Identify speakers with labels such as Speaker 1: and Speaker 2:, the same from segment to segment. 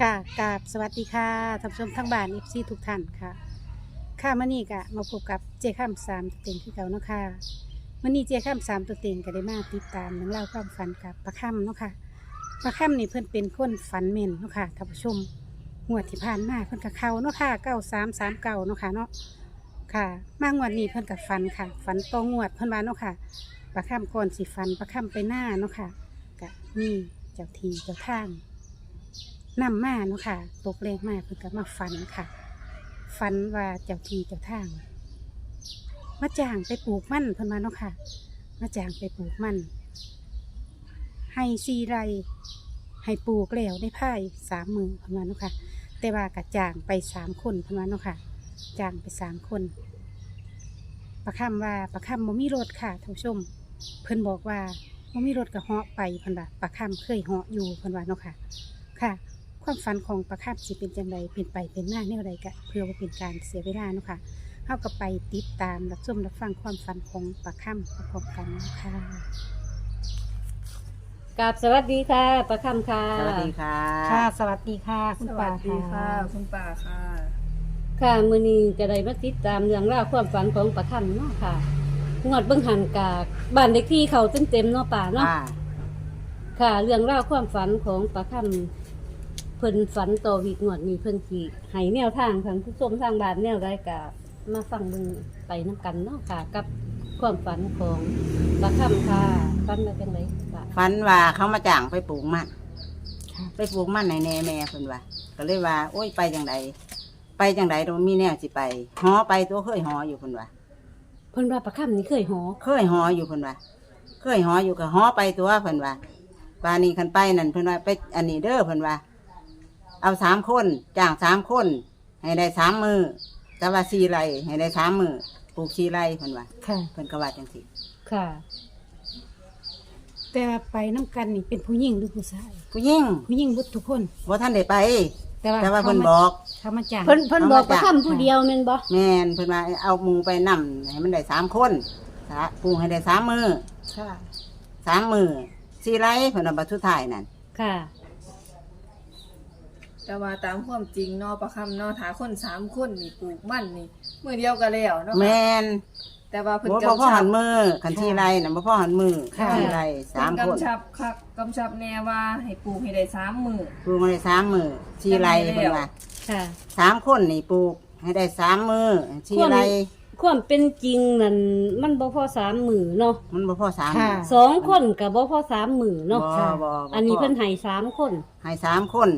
Speaker 1: ค่ะกราบสวัสดีค่ะท่านผู้ชมทั้งบ้านเอฟซีทุกท่านค่ะค่ะมื่อนี้ก็มาพบกับเจาข้ามสามตัวเต็งที่เก่าเนาะค่ะมื่อนี้เจาข้ามสามตัวเต็งก็ได้มาติดตามเรื่องเล่าวความฝันกับประค่ำเนาะค่ะประค่ำนี่เพื่อนเป็นคนฝันเม่นเนาะค่ะท่านผู้ชมงวดที่ผ่านมาเพื่อนกับเขาเนาะค่ะ9339เนาะค่ะเนาะค่ะมางวดนี้เพื่อนกับฝันค่ะฝันตองวดเพื่อนว่าเนาะค่ะประค่ำก่อนสิฝันประค่ำไปหน้าเนาะค่ะก็มีเจ้าทีเจ้าทาง นำมาเนาะค่ะตกเลขมาเพิ่นก็มาฝันค่ะฝันว่าเจ้าที่เจ้าทางมาจ้างไปปลูกมันเพิ่นมาเนาะค่ะมาจ้างไปปลูกมันให้4 ไร่ให้ปลูกแล้วได้ภาย3 มื้อเพิ่นว่าเนาะค่ะแต่ว่ากะจ้างไป3 คนเพิ่นว่าเนาะค่ะจ้างไป3 คนประคำว่าประคำบ่มีรถค่ะท่านผู้ชมเพิ่นบอกว่าบ่มีรถก็เหาะไปเพิ่นว่าประคำเคยเหาะอยู่เพิ่นว่าเนาะค่ะค่ะความฝันของประคำสิเป็นจังไดเป็นไปเป็นหน้าแนวใดกะเพื่อว่าเป็นการเสียเวลาเนาะค่ะเฮาก็ไปติดตามรับชมรับฟังความฝันของประคำพร้อมๆกันเนาะค่ะ
Speaker 2: กับสวัสดีค่ะประคำค่ะ
Speaker 3: สวัสดีค่ะ
Speaker 1: ค่ะ สวัสดีค่ะ คุณ
Speaker 4: ส
Speaker 1: ป่า
Speaker 4: วัสดีค่ะ คุณป่าค่ะ
Speaker 2: ค่ะมื้อนี้จะได้มาติดตามเรื่องราวความฝันของประคำเนาะค่ะงวดเบิ่งหันกากบ้านเด็กที่เขาเต็มๆเนาะป่าเนาะ
Speaker 3: ค่ะ
Speaker 2: ค่ะ เรื่องราวความฝันของประคำเพิ่นฝันต่อวีกงวดนี้เพิ่นสิให้แนวทางทางผู้ชมทางบ้านแนวใดก็มาฟังเบิ่งไปนํกันเนาะค่ะ กับความฝันของประคำค่ะฝันว่าจังไดป่า
Speaker 3: ฝันว่าเขามาจ้างไปปลูกมัน
Speaker 1: ค่ะ
Speaker 3: ไปปลูกมันในแน่แม่เพิ่นว่า ก็เลยว่า โอ้ยไปจังไดไปจังไดตรงมีแนวสิไปหอไปตัวเคยหออยู่เพิ่นว่า
Speaker 2: เพิ่นว่าประคำนี่เคยหอ
Speaker 3: เคยหออยู่เพิ่นว่า เคยหออยู่ก็หอไปตัวเพิ่นว่าปานนี้คันไปนั่นเพิ่นว่าไปอันนี้เด้อเพิ่นว่า เอา3 คนจ้าง3 คน ให้ได้3 มื้อแต่ว่า4 ไร่ให้ได้3 มื้อปลูก4 ไร่เพิ่นว่า
Speaker 1: ค่ะ
Speaker 3: เพิ่นก็ว่าจังซี่
Speaker 2: ค่ะ
Speaker 1: แต่ว่าไปน้ำกันนี่เป็นผู้หญิงหรือผู้ชาย
Speaker 3: ผู้หญิง
Speaker 1: ผู้หญิงเบุดทุกคน
Speaker 3: บ่ทันได้ไป
Speaker 1: แต่ว่า
Speaker 3: แต่ว่าเพิ่นบอก
Speaker 1: เขามาจ้าง
Speaker 2: เพิ่นบอกประคำผู้เดียวแม่นบ่
Speaker 3: แม่นเพิ่นว่าเอาหมูไปนำให้มันได้3 คนปลูกให้ได้3 มื้อ
Speaker 1: ค่ะ
Speaker 3: 3 มื้อ4 ไร่เพิ่นว่าบัดสุดท้ายนั่น
Speaker 2: ค่ะ
Speaker 4: แต่ว่าตามความจริงเนาะประคำเนาะถาคน3 คนนี่ปลูกมันนี่มือเดียวกันแล้วเนาะ
Speaker 3: แม่น
Speaker 4: แต่ว่าเพิ่น
Speaker 3: บ่
Speaker 4: กำ
Speaker 3: พ่อ
Speaker 4: ชั
Speaker 3: หั
Speaker 4: บ
Speaker 3: นมือคัน4 ไร่น่ะบ่พ่อหันมือ4 ไร่
Speaker 4: เพิ่น
Speaker 3: 3 คน
Speaker 4: กำชับคักกำชับแน่ว่าให้ปลูกให้ได้3 มื้อ
Speaker 3: ปลูกมาได้3 มื้อ4 ไร่เพิ่นว่า
Speaker 2: ค่ะ
Speaker 3: 3 คนนี่ปลูกให้ได้3 มื้อ4 ไร่
Speaker 2: ความเป็นจริงนั่นมันบ่พอ3 มื้อเนาะ
Speaker 3: มันบ่พอ3
Speaker 1: ค่ะ
Speaker 3: มื้อ
Speaker 2: 2 คนก็บ่พอ3 มื้อเนาะ
Speaker 3: บ่บ่
Speaker 2: อันนี้เพิ่นให้3 คน
Speaker 3: ให้3 คน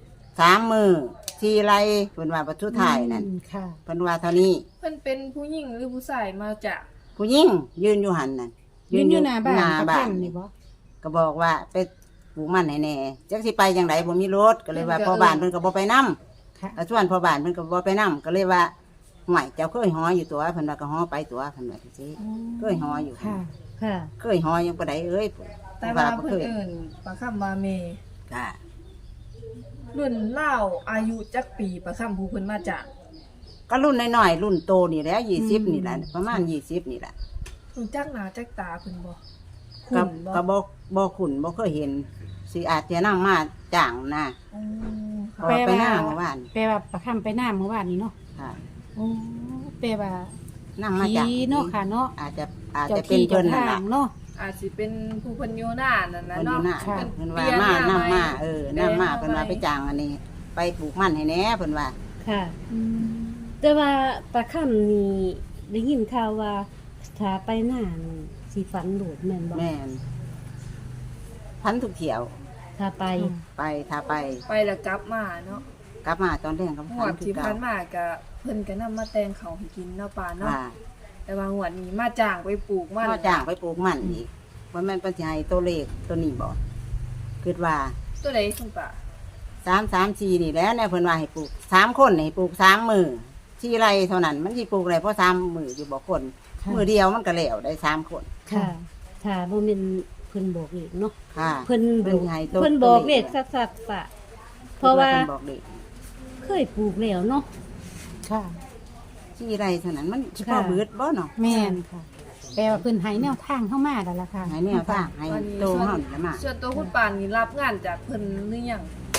Speaker 3: 3 มื้อ4 ไร่เพิ่นว่าบัดสุดท้ายนั่น
Speaker 1: อืมค่ะ
Speaker 3: เพิ่นว่าเท่านี้
Speaker 4: เพิ่นเป็นผู้หญิงหรือผู้ชายมาจาก
Speaker 3: ผู้หญิงยืนอยู่หันน่ะ
Speaker 1: ยืนอยู่หน้าบ้าน
Speaker 3: หน้า
Speaker 1: ประ
Speaker 3: บ้า
Speaker 1: คั
Speaker 3: น
Speaker 1: นนี่บ่
Speaker 3: ก็บอกว่าไปปลูกมันให้แน่จักสิไปจังไดบ่มีรถก็เลยว่าพ่อบ้านเพิ่นก็บ่ไปนำ
Speaker 1: ค่ะ
Speaker 3: ก็ชวนพ่อบ้านเพิ่นก็บ่ไปนำก็เลยว่าห่วยเจ้าเคยหออยู่ตัวเพิ่นว่าก็หอไปตัวเพิ่นว่าจังซี่เคยหออยู่
Speaker 1: ค่ะ
Speaker 2: ค่ะ
Speaker 3: เคยหอยังบ่ได้เอ้ย
Speaker 4: แต่ว่า
Speaker 3: บ่
Speaker 4: เพิ่นเอิ้นประคำว่าเม
Speaker 3: ค่ะ
Speaker 4: รุ่นเล่าวอายุจักปีประคำผู้เพิ่นมาจาก
Speaker 3: ก็รุ่นน้อยๆรุ่นโตนี่แหละ20นี่แหละประมาณ20นี่แหละ
Speaker 4: รู้จักหน้าจักตาเพิ่นบ่
Speaker 3: ก็
Speaker 4: คุ้นบ่
Speaker 3: ก็บ่คุ้นบ่เคยเห็นสิอาจจะนำมาจ้างนะ
Speaker 4: อืม
Speaker 3: เพราะว่าไปหน้าเมื่อวาน
Speaker 1: แปลว่าประคำไปหน้าเมื่อวานนี้เนาะ
Speaker 3: ค่ะ
Speaker 1: โอ้แปลว่า
Speaker 3: นำมา
Speaker 1: ผี
Speaker 3: จ้าง
Speaker 1: เนาะค่ะเนาะ
Speaker 3: อาจจะ
Speaker 1: เจ้า
Speaker 3: เป็น
Speaker 1: ที่
Speaker 3: เพิ่
Speaker 1: เจ้าน
Speaker 3: นั่น
Speaker 1: ทา
Speaker 3: ล่ะ
Speaker 1: งเนาะ
Speaker 4: อาจสิเป็นผู้เพิ่นอยู่หน้านั่นน่ะ
Speaker 3: คนอยู่
Speaker 4: เนาะ
Speaker 3: หน้า
Speaker 1: ค่ะ
Speaker 3: เพิ่นว่ามานํมานํมาเพิ่นว่าไปจ้างอันนี้ ไปปลูกมันให้แหน่เพิ่นว่า
Speaker 2: ค่ะ
Speaker 1: อืม
Speaker 2: แต่ว่าประคำนี่ได้ยินข่าวว่าถ้าไปหน้านี่สิฝันโดดแม่นบ่
Speaker 3: แม่นพันทุกเที่ยว
Speaker 2: ถ้าไป
Speaker 3: ไปถ้าไป
Speaker 4: ไปแล้วกลับมาเนาะ
Speaker 3: กลับมาตอนแรกก็
Speaker 4: ห
Speaker 3: พั
Speaker 4: วน ด
Speaker 3: คือ
Speaker 4: ที่
Speaker 3: เก่า
Speaker 4: ผ่านมาก็เพิ่นก็นำมาแตงเขาวให้กินเนาะป่าเนาะ
Speaker 3: ว่า
Speaker 4: แต่ว่าหวดนี้มาจ้างไปปลูกมัน
Speaker 3: ก็จ้างไปปลูกมันอีกว่าแม่นเพิ่นสิให้ตัวเลขตัวนี้บ่คิดว่า
Speaker 4: ตัวใดคุณป่า
Speaker 3: 334นี่แหล้วเนี่ยเพิ่นว่าให้ปลูก3คนให้ปลูก3มื้อที่ไรเท่านั้นมันสิปลูกได้เพราะ3มื้ออยู่บ่คน
Speaker 1: ค่ะ
Speaker 3: มื้อเดียวมันก็แล้วได้3คน
Speaker 2: ค่ะถ้าบ่แม่นเพิ่นบอกเลขเนาะ
Speaker 3: ค่ะ
Speaker 2: เพิ่น
Speaker 3: เพิ่นให้ตัว
Speaker 2: เพิ่นบอกเลขสัดๆป่ะเพราะว่า
Speaker 3: เพิ่นบอกเลข
Speaker 2: เคยปลูกแล้วเนาะ
Speaker 1: ค่ะ
Speaker 3: ที่ไรเท่านั้นมันเฉพาะ
Speaker 2: ค่ะ
Speaker 3: เบิดบ่เนาะ
Speaker 1: แม่นค่ะ แปลว่าเพิ่นให้แนวทางเข้ามาแล้วล่ะค่ะ
Speaker 3: ให้แนวทางให้โตเฮานี่ละมา
Speaker 4: ส่วนตัวคุณป่านี่รับงานจากเพิ่นหรือยัง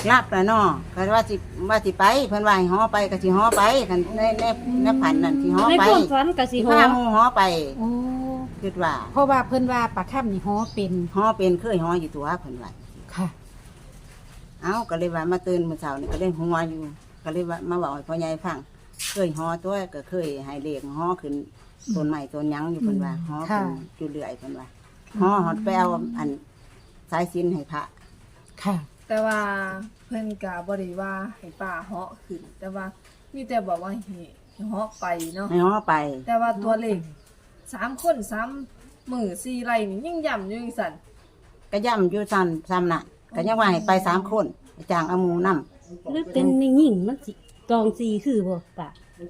Speaker 3: รับแล้วเนาะก็ว่าสิไปเพิ่นว่าให้ฮ้อไปก็สิฮ้อไปกันในผันนั่นสิฮ้อ
Speaker 2: ใน
Speaker 3: ไป
Speaker 2: ความฝันก็สิ
Speaker 3: สิ
Speaker 2: ฮอ
Speaker 3: พาหมู่ฮ้อไป
Speaker 1: โอ้
Speaker 3: คิดว่า
Speaker 1: เพราะว่าเพิ่นว่าปลาค่ำนี่ฮ้อเป็น
Speaker 3: ฮ้อเป็นเคยฮ้ออยู่ตัวเพิ่นว่า
Speaker 1: ค่ะ
Speaker 3: เอ้าก็เลยว่ามาตื่นมื้อเช้านี่ก็เลยหัวอยู่ก็เลยว่ามาบอกให้พ่อใหญ่ฟังเคยฮ้อตัวก็เคยให้เลขฮ้อขึ้นต้นไม้ต้นหยังอยู่เพิ่นว่าฮ้อขึ้นอยู่เรื่อยเพิ่นว่าฮ้อฮอดไปเอาอันสายสิญจน์ให้พระ
Speaker 1: ค่ะ
Speaker 4: แต่ว่าเพิ่นก็บ่ได้ว่าให้ป้าเหาะขึ้น แต่ว่ามีแต่บอกว่าให้เหาะไปเนาะ
Speaker 3: ให้ฮ้อไป
Speaker 4: แต่ว่าตัวเลข3คน3มือ4ไร่นี่ยังย่ำอยู่จังซั่น
Speaker 3: ก็ย่ำอยู่ซ้ำน่ะก็ยังว่าให้ไป3คนจ้างเอาหมู่นำ
Speaker 2: หรือเป็นในหญิงมันสิตองสีคือบ่ป่ะ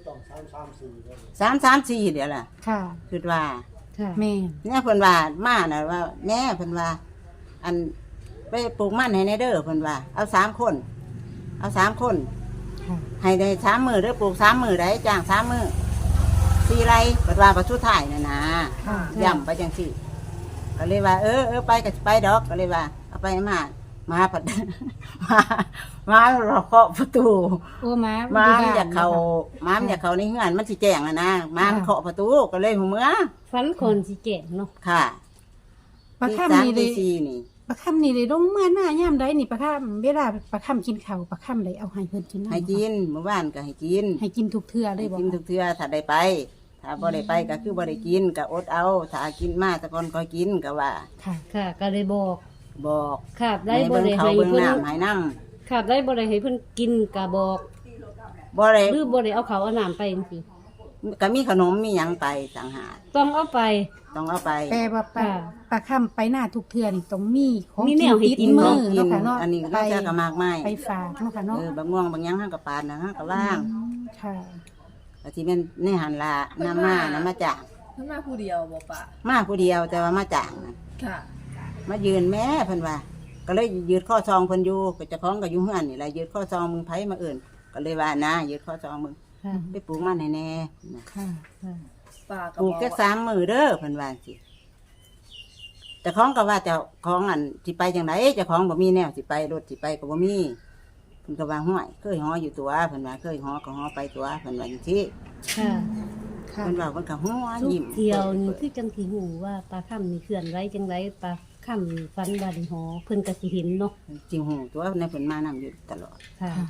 Speaker 3: 334เดี๋ยวล่ะ
Speaker 1: ค่ะ
Speaker 3: คิดว่า
Speaker 2: ค่ะ
Speaker 1: แม่น
Speaker 3: เนี่ยเพิ่นว่ามาน่ะว่าแม่เพิ่นว่า อันไปปลูกมันให้ในเด้อเพิ่นว่าเอา3คนเอา3คน
Speaker 1: ค่ะ
Speaker 3: ให้ได้3มื้อเด้อปลูก3มื้อได้จ้าง3มื้อ4ไร่เพิ่นว่าประสุดท้ายน่ะนะ
Speaker 1: ค่ะ
Speaker 3: ย่ำไปจังซี่ก็เลยว่าเออไปก็สิไปดอกก็เลยว่าเอาไปมาผัด มาเราเคาะประตู
Speaker 1: โอ้หมา
Speaker 3: ม้า
Speaker 1: อ
Speaker 3: มัน
Speaker 1: บ้
Speaker 3: อยากเข้าม้ามันอยากเข้าในเฮือนมันสิแจ้งนะม้ามันเคาะประตูก็เลยหูเมื่อ
Speaker 2: ฝันคนสิแก่งเนาะ
Speaker 3: ค่ะ
Speaker 1: ปลา
Speaker 3: ตี
Speaker 1: ค่ำ
Speaker 3: สาม
Speaker 1: นี่เล
Speaker 3: ตี
Speaker 1: ย
Speaker 3: สี่นี่
Speaker 1: ปลาค่ำนี่เลยลงเมื่อหน้ายามใดนี่ปลาค่ำเวลาปลาค่ำกินข้าวปลาค่ำเลยเอาให้เพิ่นกินำ
Speaker 3: ให้กินเมื่อวานก็ให้กิน
Speaker 1: ให้กินทุกเทื่อเล
Speaker 3: ให้
Speaker 1: ยบ่
Speaker 3: กินทุกเทื่อถ้าได้ไป ถ้าบ่ได้ไปก็คือบ่ได้กินก็อดเอา ถ้ากินมาแต่ก่อนก็กินก็ว่า
Speaker 1: ค่ะ
Speaker 2: ค่ะ ก็เลยบอก
Speaker 3: บอก
Speaker 2: ค่ะได้
Speaker 3: ให้
Speaker 2: บ่
Speaker 3: เบิ่ง
Speaker 2: ได้
Speaker 3: เขา
Speaker 2: ให้
Speaker 3: เบิ่ง
Speaker 2: เพิ่น
Speaker 3: น้ำให้น้
Speaker 2: ค่ะได้บ่ได้ให้เพิ่นกินก็บอก
Speaker 3: ำบ่ได้
Speaker 2: หรือบ่ได้เอาเขาวเอาน้ำไปจังซี่
Speaker 3: ก็มีขนมมีหยังไปต่างหาก
Speaker 2: ต้องเอาไป
Speaker 3: ต้องเอาไป
Speaker 1: แต่ว่าปลา
Speaker 2: ค่ะ
Speaker 1: ปลาค่ำไปหน้าทุกเทื่อนี่ต้องมีของ
Speaker 2: มีแนวให้กิน
Speaker 1: มื
Speaker 3: ต้อ
Speaker 1: อง
Speaker 3: กิ
Speaker 1: เนาะ
Speaker 3: น
Speaker 1: ค่ะเนาะ
Speaker 3: อันนี้
Speaker 1: ไป
Speaker 3: เราจะก็มากมาย
Speaker 1: ไปฝากเนาะค่ะเนาะ
Speaker 3: บางม่วงบางหยังห้างกับปานนะห้างกับว่าง
Speaker 1: ค่ะ
Speaker 3: ก็ที่เป็นในหันละน้ำมาจ่าง
Speaker 4: เพิ่นมาผู้เดียวบ่ป้า
Speaker 3: มาผู้เดียวแต่ว่ามาจ่างน่ะ
Speaker 4: ค่ะ
Speaker 3: มายืนแม่เพิ่นว่า ก็เลยยืดข้อซองเพิ่นอยู่ก็เจะคล้าของกับอยู่เฮือนนี่แหละยืดข้อซองมึงไผมาเอื่นก็เลยว่านะยืดข้อซองมึง
Speaker 2: ค่ะ
Speaker 3: ไปปลูกมันให้แน่นะ
Speaker 1: ค่ะ
Speaker 2: ค่ะ
Speaker 4: ป้าก็
Speaker 3: ปลู
Speaker 4: บ
Speaker 3: ก
Speaker 4: อก
Speaker 3: แค่
Speaker 4: ว่า
Speaker 3: 3 มื้อเด้อเพิ่นว่าสิเจ้าของก็ว่าเจ้าของอันสิไปจังไดเจ้าของบ่มีแนวสิไปรถสิไปก็บ่มีเพิ่นก็ว่าห้วยเคยฮ้ออยู่ตัวเพิ่นว่าเคยฮ้อก็ฮ้อไปตัวเพิ่นว่าจังซี่
Speaker 2: ค่ะ
Speaker 1: ค่ะ
Speaker 3: เพิ่นว่าเพิ่นก็หัว
Speaker 2: ทุก
Speaker 3: ยิ้ม
Speaker 2: เที่ยวนี่คือจังสิฮู้ว่าปลาค่ำนี่เคลื่อนไหวจังไดปลาค่ำนี่ฝันว่าได้หอเพิ่นก็สิเห็นเนาะ
Speaker 3: จริงหูตัวในเพิ่นมานํอยู่ตลอด
Speaker 2: ค่ะ
Speaker 1: ค่ะ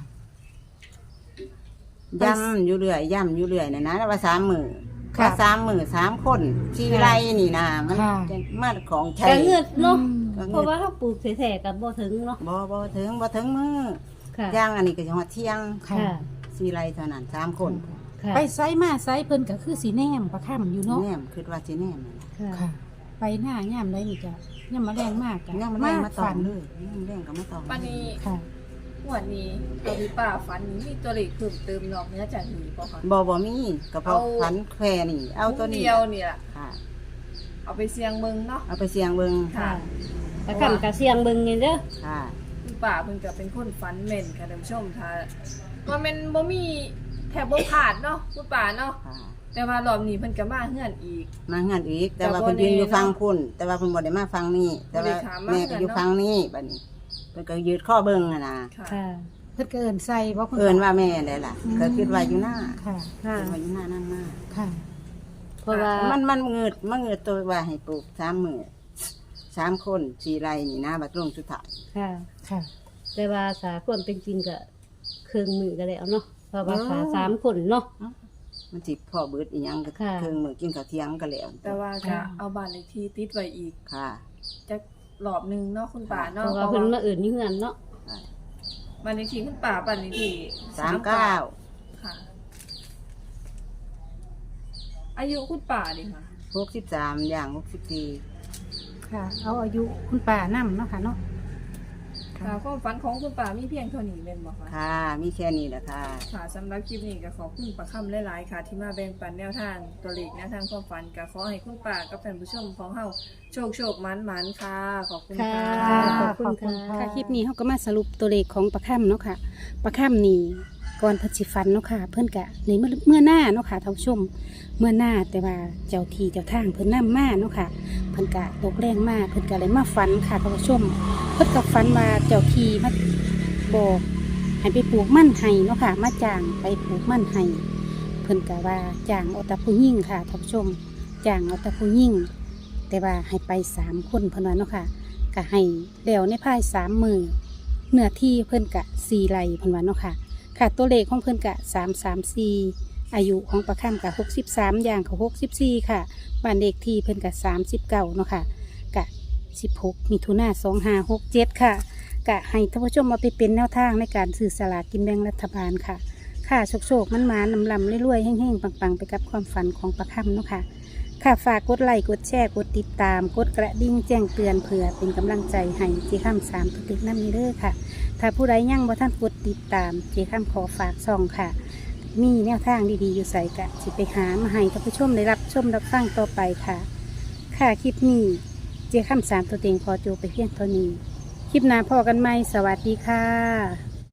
Speaker 3: ย่ำอยู่เรื่อยย่ำอยู่เรื่อยนะนะว่า3 มื้อ
Speaker 1: ค่ะ
Speaker 3: ว่า3 มื้อ3 คนชีไรนี่นะมัน
Speaker 1: ค่ะ
Speaker 3: มาของใช้
Speaker 2: ก็เงือดเนาะ
Speaker 3: ก็
Speaker 2: เพ
Speaker 3: เงิ
Speaker 2: ราะ
Speaker 3: น
Speaker 2: ว่าเขาปลูกแท้ๆก็บ่ถึงเนาะ
Speaker 3: บ่ถึงมื้อ
Speaker 2: ค่ะ
Speaker 3: ย่างอันนี้ก็สิฮอดเที่ยง
Speaker 1: ค่ะ
Speaker 2: ค่ะ
Speaker 3: ชีไรเท่านั้น3 คน
Speaker 2: ค่ะ
Speaker 1: ไปไซมาไซเพิ่นก็คือสีแนมปลาค่ำอยู่เนาะ
Speaker 3: แนมคิดว่าสิแนมนั่นล่ะ
Speaker 2: ค่ะ
Speaker 1: ค่ะ ไปหน้ายามใดนี่ก็ยามมาแรงมากจ้ะ
Speaker 3: ยังมันแรงมาตอ
Speaker 1: ฝั
Speaker 3: ง
Speaker 1: น
Speaker 3: เลยยังมันแรงก็มาตอง
Speaker 4: ปันนี้
Speaker 1: ค่ะ
Speaker 4: งวดนี้ตัวที่ป้าฝันนี้มีตัวเลขเพิ่มเติมนอกเหนือจากนี้บ่คะ
Speaker 3: บ่มีก็เพราะ
Speaker 4: เอา
Speaker 3: ฝันแค่นี่เอาตัวนี้
Speaker 4: เดียวนี่ล่ะ
Speaker 3: ค่ะ
Speaker 4: เอาไปเสี่ยงเบิ่งเนาะ
Speaker 3: เอาไปเสี่ยงเบิ่ง
Speaker 4: ค่ะ
Speaker 2: ปลาค่ำก็เสียงเบิ่งนี่เด้อ
Speaker 3: ค่ะ
Speaker 4: คุณป้าเพิ่นก็เป็นคนฝันแม่นค่ะท่านผู้ชมถ้าว่าแม่นบ่มีแทบบ่ขาดเนาะคุณป้าเนาะ
Speaker 3: ค่ะ
Speaker 4: แต่ว่ารอบนี้เพิ่นก็มาเฮือนอีก
Speaker 3: มางานอีก แต่ว่า
Speaker 4: แต่บ่
Speaker 3: เพิ่นยืนอยู่
Speaker 4: แน่เนาะ
Speaker 3: ฟังพุ่นแต่ว่าเพิ่นบ่ได้มาฟังนี่แต่ว่า
Speaker 4: บ่ได้ถามมา
Speaker 3: แม่ก็อยู่
Speaker 4: เนาะ
Speaker 3: ฟังนี่บัดนี้เพิ่นก็ยืดข้อเบิ่งอะนะ
Speaker 4: ค่ะ
Speaker 2: ค่ะ
Speaker 1: เพิ่นก็เอิ้นใส่บ่คุณ
Speaker 3: เอิ้นว่าแม่ได้ล่ะก็คิดว่าอยู่หน้า
Speaker 1: ค่ะ
Speaker 2: ค่ะ
Speaker 3: คิดว่าอยู่หน้านั่นมา
Speaker 1: ค่ะ
Speaker 2: เพราะว่า
Speaker 3: มันเงิดตัวว่าให้ปลูก3 มื้อ3 คน4ไร่นี่นะบัดลงสุดท้าย
Speaker 2: ค่ะ
Speaker 1: ค่ะ
Speaker 2: แต่ว่าสาความเป็นจริงก็เครื่องมือก็แล้วเนาะเพราะว่าขา3คนเนาะ
Speaker 3: มันสิพ่อเบิดอีหยังก็
Speaker 2: ค่ะ
Speaker 3: เครื่องมื้อกินข้าวเที่ยงก็แล้ว
Speaker 4: แต่ว่าก็เอาบ้านเลขที่ติดไว้อีก
Speaker 3: ค่ะ
Speaker 4: จักรอบหนึงเนาะคุณป้า
Speaker 2: เพ
Speaker 4: เนาะ
Speaker 2: ราะว่าเพิ่นมาเอื่นนี่เฮือนเนาะ
Speaker 4: บ้านเลขที่คุณป้าบ้านเลขที่
Speaker 3: 39
Speaker 4: ค่ะ อายุคุณป้าดิค่ะ
Speaker 3: 63อย่าง64
Speaker 1: ค่ะ เอาอายุคุณป้านำเนาะค่ะเนาะ
Speaker 4: ค่ะความฝันของคุณป้ามีเพียงเท่านี้แม่นบ่คะ
Speaker 3: ค่ะ มีแค่นี้แหละค่ะ
Speaker 4: ค่ะสำหรับคลิปนี้ก็ขอบคุณป้าค่ำหลายๆค่ะ ที่มาแบ่งปันแนวทางตัวเลขแนวทางความฝันก็ขอให้คุณป้ากับท่านผู้ชมของเฮาโชคมันๆค่ะ ขอบคุณค่ะ
Speaker 2: ขอบคุณค่ะ
Speaker 1: ค่ะคลิปนี้เขาก็มาสรุปตัวเลขของปลาค่ำเนาะค่ะปลาค่ำนี่ก่อนเพิ่นสิฟันเนาะค่ะ เพิ่นกะในเมื่อหน้าเนาะค่ะท่านผู้ชมเมื่อหน้าแต่ว่าเจ้าที่เจ้าทางเพิ่นนำมาเนาะค่ะ เพิ่นกะตกแรงมากเพิ่นกะเลยมาฟันค่ะท่านผู้ชม เพิ่นกะฟันว่าเจ้าที่บอกให้ไปปลูกมันไห้เนาะค่ะมาจ้างไปปลูกมันไห้เพิ่นก็ว่าจ้างเอาแต่ผู้หญิงค่ะท่านผู้ชมจ้างเอาแต่ผู้หญิงแต่ว่าให้ไป3 คนเพิ่นว่าเนาะค่ะก็ให้แล้วในภาย3 มื้อเนื้อที่เพิ่นก็4 ไร่เพิ่นว่าเนาะค่ะค่ะตัวเลขของเพิ่นก็334อายุของประค่ำก็63อย่างเขา64ค่ะบ้านเลขที่เพิ่นก็39เนาะค่ะก็16 มิถุนายน 2567ค่ะกะให้ท่านผู้ชมมาไปเป็นแนวทางในการซื้อสลากกินแบ่งรัฐบาลค่ะค่ะโชคมันมาลำรวยๆแห้งๆปังๆไปกับความฝันของประค่ำเนาะค่ะค่ะฝากกดไลค์กดแชร์กดติดตามกดกระดิ่งแจ้งเตือนเผื่อเป็นกำลังใจให้เจ้าข้าม3ตัวติดน้ำนี้เด้อค่ะถ้าผู้ใดยังบ่ท่านกดติดตามเจ้าข้ามขอฝากซองค่ะมีแนวทางดีๆอยู่ใส่กะสิไปหามาให้ท่านผู้ชมได้รับชมรับฟังต่อไปค่ะค่ะคลิปนี้เจ้าข้าม3ตัวเต็งขอจบไปเพียงเท่านี้คลิปหน้าพอกันไหมสวัสดีค่ะ